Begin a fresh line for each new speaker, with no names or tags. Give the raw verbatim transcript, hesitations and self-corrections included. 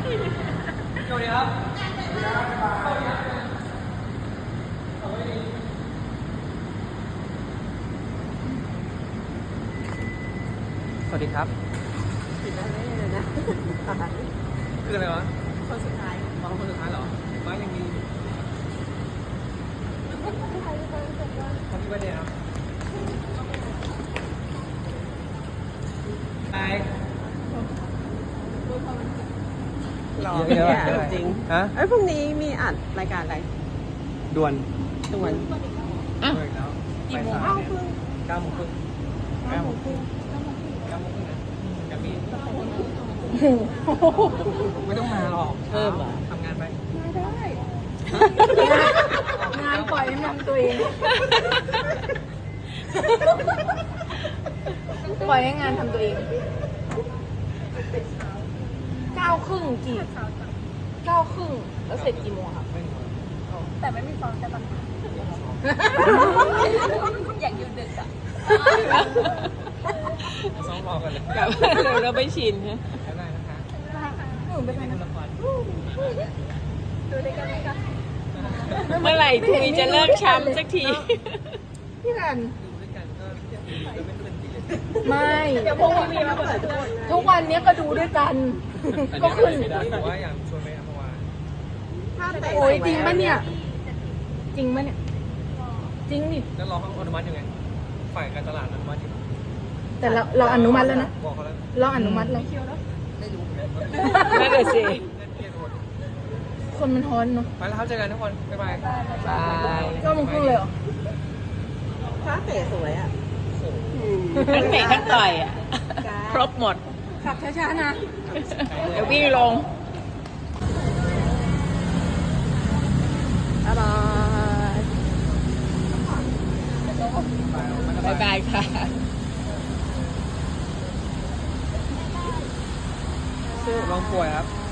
สวัสดีครับสวัสดีครับปิดได้เลยนะคืออะไรวะคนสุดท้ายอ๋อคนสุดท้ายเหรอมายังมีแฮปปี้เบิร์ธเดย์ครับไป
หล่อ
เยอะ
เนี่ย
เยอะ
จริง
ฮะ
ไอ้ยพรุ่งนี้มีอัดรายการอะไร
ด่วน
ด่วน
ด่วนอีกแล้ว
กี่โมง
ไป
เอ้า
สาย
เพิ่ง
เก้าโมงครึ่งเก้าโมงครึ่งเก้าโมงครึ่งนะจะมีไม่ต้องมาหรอก
เพิ่มเหรอ
ทำงานไป
งานปล่อยให้มันตัวเอง ปล่อยให้งานทำตัวเองเก้าครึ่งกี่เก้าครึ่งแล้วเสร็จกี่โมงครับ
ไม่ถึง
แต่ไม่มีฟองแต่ปัญหาอยากอยู่ดึกอ่ะ
ซ้อมรอกันเลย
แบบเร็วแล้วไม่ชินฮะ
ได้นะคะ
หนูเป็น
นี่คุณละคร
ดูด้วยกันไหมคะ
เมื่อไหร่ทุยจะเลิกช้ำสักที พี่รัน
ดูด้วยกันก็จะไม่ขึ้นดีเลย
ไม่
เดี๋ยวพวกมีมาเปิดทุกคน
ทุกวันนี้ก็ดูด้วยกัน ก็ขึ้น
ไม่ได้แต่ว่าอยากชวนไปอัมพวา
โอ้ยจริงปะเนี่ย จริงปะเนี่ย จริงนี่
แล้วรอเขาอนุมัติยังไงฝ่ายการตลาดอนุมัติอยู่
แต่เราเราอนุมัติแล้วนะ
บอกเขาแล้ว
เราอนุมัติแล้ว
ไม่รู้เหมือนกัน
นั่นแหละสิ
เล่นเกมหมด
คนมันฮ้อนเนาะ
ไปแล้วครับเจอกันทุกคน บ๊ายบาย
บายก็มึงครึ่งเลยเหรอ
ฟ้าเตะสวยอ่ะ
ทั้งเตะทั้งต่อยอ่ะ ครบหมด ขับช้าๆนะ เดี๋ยววิ่งลงบ๊ายบายบายบายค่ะ
ลองป่วยครับ